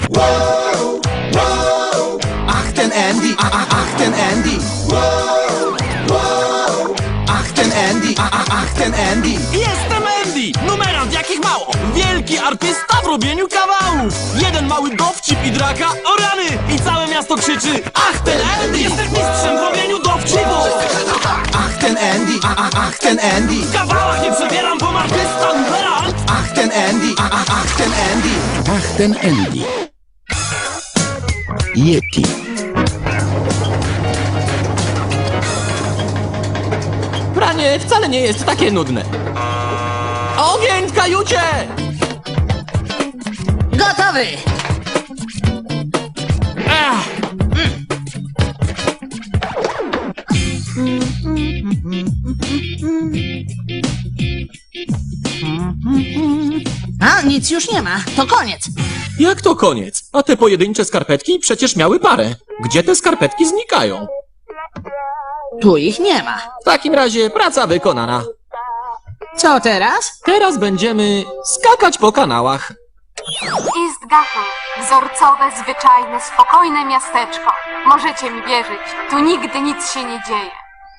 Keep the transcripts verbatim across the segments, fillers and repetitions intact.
Ach ten Andy, ach, ach, ach ten Andy. Ach ten Andy, ach, ach, ach ten Andy. Jestem Andy! Numerant jakich mało! Wielki artysta w robieniu kawałów! Jeden mały dowcip i draka, o rany! I całe miasto krzyczy: ach ten Andy! Jestem mistrzem w robieniu dowcipów! Ach ten Andy, ach, ach, ach ten Andy. W kawałach nie przebieram, bo artysta numerant! Ach ten Andy, ach, ach, ach ten Andy. Ach, ten Andy. Yeti. Pranie wcale nie jest takie nudne. Ogień w kajucie! Gotowy! Ech, A, nic już nie ma. To koniec. jak to koniec? A te pojedyncze skarpetki przecież miały parę. Gdzie te skarpetki znikają? Tu ich nie ma. W takim razie praca wykonana. Co teraz? Teraz będziemy skakać po kanałach. Istgahel. Wzorcowe, zwyczajne, spokojne miasteczko. Możecie mi wierzyć, tu nigdy nic się nie dzieje.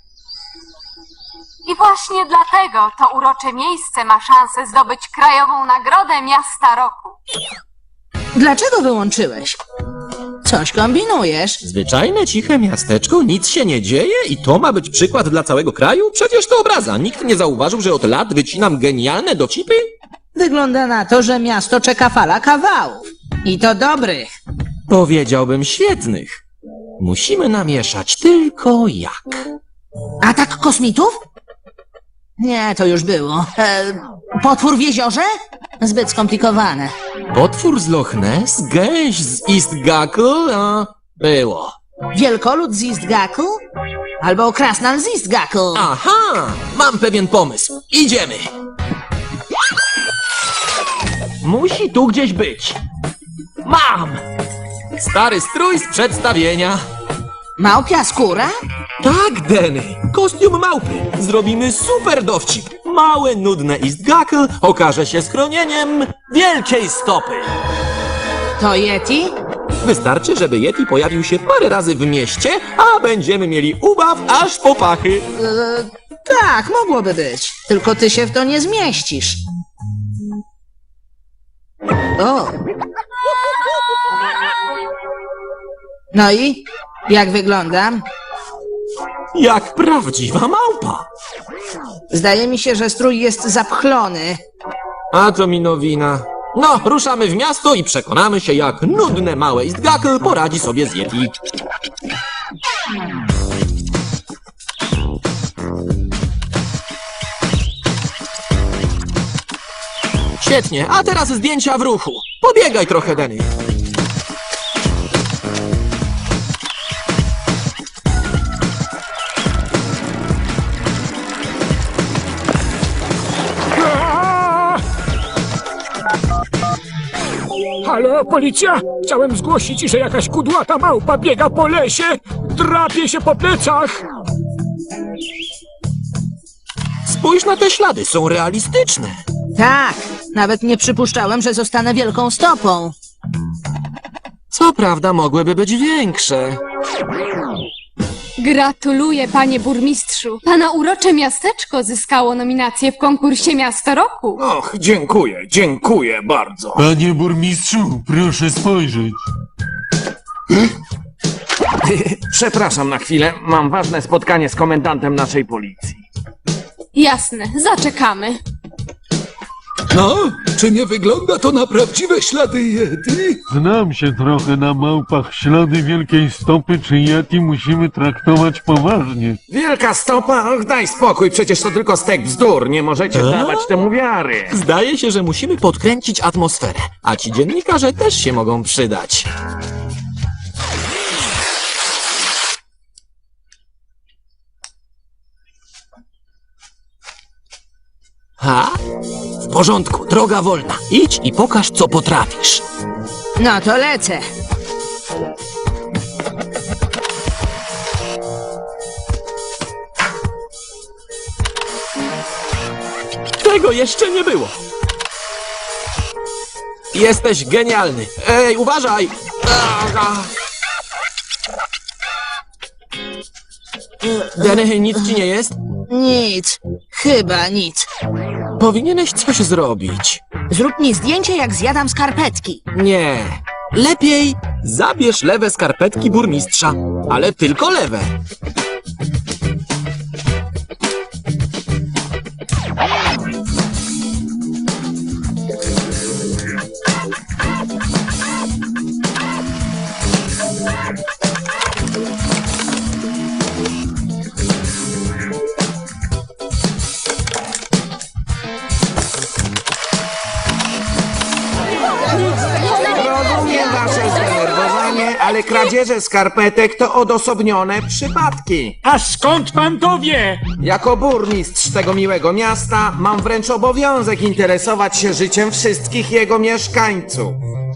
I właśnie dlatego to urocze miejsce ma szansę zdobyć krajową nagrodę Miasta Roku. Dlaczego wyłączyłeś? Coś kombinujesz. Zwyczajne, ciche miasteczko, nic się nie dzieje i to ma być przykład dla całego kraju? Przecież to obraza. Nikt nie zauważył, że od lat wycinam genialne dowcipy? Wygląda na to, że miasto czeka fala kawałów. I to dobrych. Powiedziałbym świetnych. Musimy namieszać tylko jak. Atak kosmitów? Nie, to już było. E, potwór w jeziorze? Zbyt skomplikowane. Potwór z Loch Ness, gęś z Istgahel, a było. Wielkolud z Istgahel? Albo krasnal z Istgahel? Aha, mam pewien pomysł. Idziemy. Musi tu gdzieś być. Mam! Stary strój z przedstawienia. Małpia skóra? Tak, Denny. Kostium małpy. Zrobimy super dowcip. Małe, nudne Istgahel okaże się schronieniem wielkiej stopy. To Yeti? Wystarczy, żeby Yeti pojawił się parę razy w mieście, a będziemy mieli ubaw aż po pachy. E, tak, mogłoby być. Tylko ty się w to nie zmieścisz. O! No i? Jak wyglądam? Jak prawdziwa małpa. Zdaje mi się, że strój jest zapchlony. A to mi nowina. No, ruszamy w miasto i przekonamy się, jak nudne małe Istgahel poradzi sobie z Yeti. Świetnie, a teraz zdjęcia w ruchu. Pobiegaj trochę, Denny. Halo, policja? Chciałem zgłosić, że jakaś kudłata małpa biega po lesie, drapie się po plecach. Spójrz na te ślady, są realistyczne. Tak, nawet nie przypuszczałem, że zostanę wielką stopą. Co prawda mogłyby być większe. Gratuluję, panie burmistrzu. Pana urocze miasteczko zyskało nominację w konkursie Miasto Roku. Och, dziękuję, dziękuję bardzo. Panie burmistrzu, proszę spojrzeć. Przepraszam na chwilę, mam ważne spotkanie z komendantem naszej policji. Jasne, zaczekamy. No, czy nie wygląda to na prawdziwe ślady Yeti? Znam się trochę na małpach. Ślady wielkiej stopy czy Yeti musimy traktować poważnie. Wielka stopa? Och, daj spokój, przecież to tylko stek bzdur, nie możecie dawać temu wiary. Zdaje się, że musimy podkręcić atmosferę, a ci dziennikarze też się mogą przydać. Ha? W porządku, droga wolna. Idź i pokaż, co potrafisz. No to lecę. Tego jeszcze nie było. Jesteś genialny. Ej, uważaj! Aha. Denny, nic ci nie jest? Nic. Chyba nic. Powinieneś coś zrobić. Zrób mi zdjęcie, jak zjadam skarpetki. Nie. Lepiej zabierz lewe skarpetki burmistrza, ale tylko lewe. Rozumiem wasze zdenerwowanie, ale kradzieże skarpetek to odosobnione przypadki. A skąd pan to wie? Jako burmistrz tego miłego miasta mam wręcz obowiązek interesować się życiem wszystkich jego mieszkańców.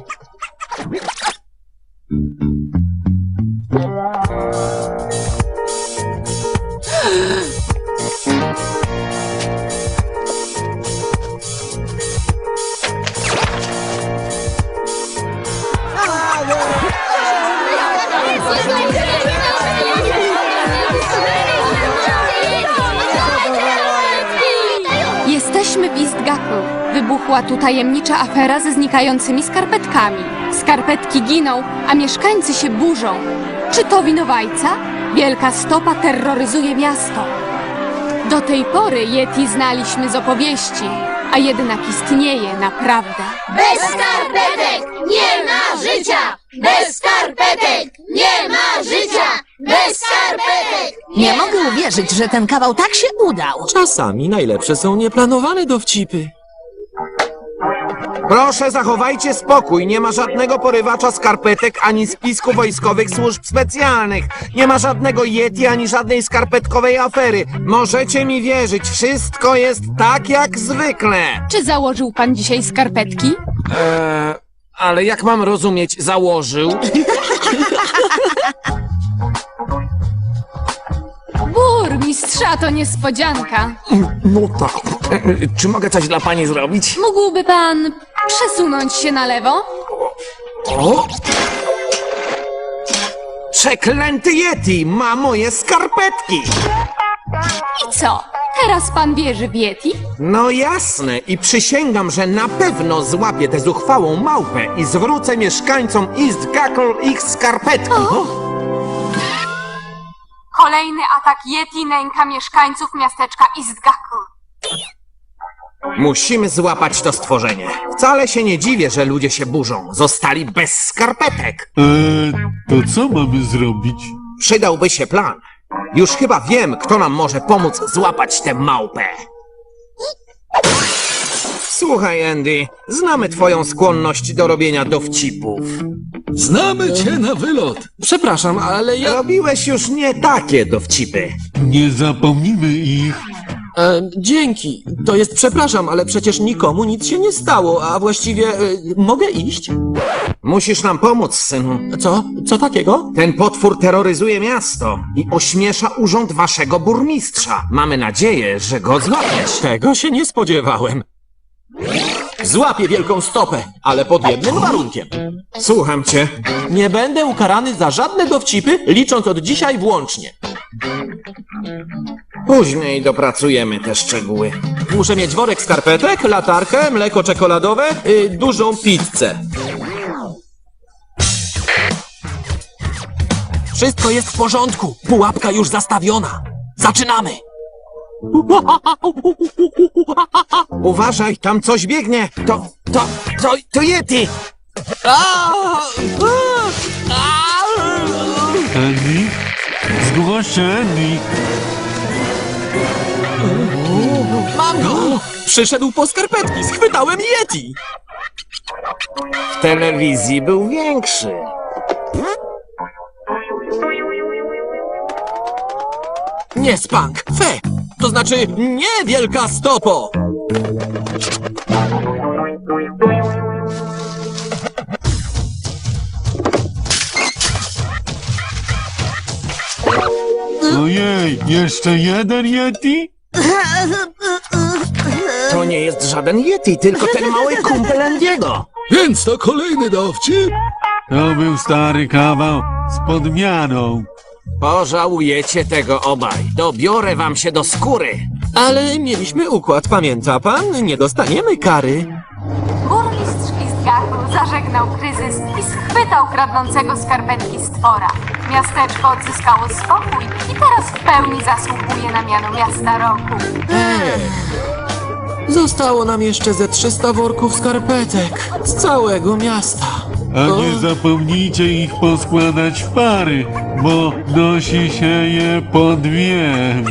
Jesteśmy w Istgaku. Wybuchła tu tajemnicza afera ze znikającymi skarpetkami. Skarpetki giną, a mieszkańcy się burzą. Czy to winowajca? Wielka stopa terroryzuje miasto. Do tej pory Yeti znaliśmy z opowieści, a jednak istnieje naprawdę. Bez skarpetek nie ma życia! Bez skarpetek nie ma życia! Bez skarpetek! Nie mogę uwierzyć, że ten kawał tak się udał. Czasami najlepsze są nieplanowane dowcipy. Proszę, zachowajcie spokój. Nie ma żadnego porywacza skarpetek ani spisku wojskowych służb specjalnych. Nie ma żadnego Yeti ani żadnej skarpetkowej afery. Możecie mi wierzyć, wszystko jest tak jak zwykle. Czy założył pan dzisiaj skarpetki? Eee, ale jak mam rozumieć, założył? Burmistrza, to niespodzianka. No tak. E, czy mogę coś dla pani zrobić? Mógłby pan przesunąć się na lewo? O! Przeklęty Yeti ma moje skarpetki! I co? Teraz pan wierzy w Yeti? No jasne i przysięgam, że na pewno złapię tę zuchwałą małpę i zwrócę mieszkańcom East Gackle ich skarpetki. Kolejny atak Yeti nęka mieszkańców miasteczka Istgaku. Musimy złapać to stworzenie. Wcale się nie dziwię, że ludzie się burzą. Zostali bez skarpetek. Eee, to co mamy zrobić? Przydałby się plan. Już chyba wiem, kto nam może pomóc złapać tę małpę. Słuchaj, Andy, znamy twoją skłonność do robienia dowcipów. Znamy cię na wylot. Przepraszam, ale ja... Robiłeś już nie takie dowcipy. Nie zapomnimy ich. E, dzięki. To jest przepraszam, ale przecież nikomu nic się nie stało, a właściwie e, mogę iść? Musisz nam pomóc, synu. Co? Co takiego? Ten potwór terroryzuje miasto i ośmiesza urząd waszego burmistrza. Mamy nadzieję, że go złapiesz. Tego się nie spodziewałem. Złapię wielką stopę, ale pod jednym warunkiem. Słucham cię. Nie będę ukarany za żadne dowcipy, licząc od dzisiaj włącznie. Później dopracujemy te szczegóły. Muszę mieć worek skarpetek, latarkę, mleko czekoladowe, y, dużą pizzę. Wszystko jest w porządku. Pułapka już zastawiona. Zaczynamy. Uważaj, tam coś biegnie. To, to, to, to Yeti. Andy? Zgłoś się, Andy. Mam go! Przyszedł po skarpetki, schwytałem Yeti! W telewizji był większy. Nie spank, fe! To znaczy nie wielka stopo! Ojej, jeszcze jeden Yeti? To nie jest żaden Yeti, tylko ten mały kumpel Andiego. Więc to kolejny dowcip? To był stary kawał z podmianą. Pożałujecie tego obaj. Dobiorę wam się do skóry. Ale mieliśmy układ, pamięta pan? Nie dostaniemy kary. Burmistrz Istgachu zażegnał kryzys i schwytał kradnącego skarpetki stwora. Miasteczko odzyskało spokój i teraz w pełni zasługuje na miano miasta roku. Zostało nam jeszcze ze trzysta worków skarpetek z całego miasta. A nie zapomnijcie ich poskładać w pary, bo nosi się je po dwie.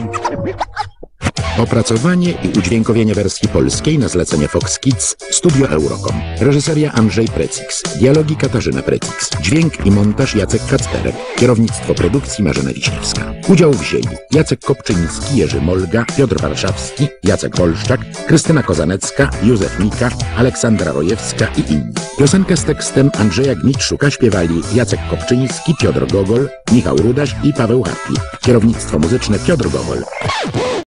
Opracowanie i udźwiękowienie wersji polskiej na zlecenie Fox Kids, Studio Eurocom. Reżyseria Andrzej Precix, dialogi Katarzyna Precix, dźwięk i montaż Jacek Kacperek, kierownictwo produkcji Marzena Wiśniewska. Udział wzięli Jacek Kopczyński, Jerzy Molga, Piotr Warszawski, Jacek Wolszczak, Krystyna Kozanecka, Józef Mika, Aleksandra Rojewska i inni. Piosenkę z tekstem Andrzeja Gnić-Szuka śpiewali Jacek Kopczyński, Piotr Gogol, Michał Rudaś i Paweł Hartwig. Kierownictwo muzyczne Piotr Gogol.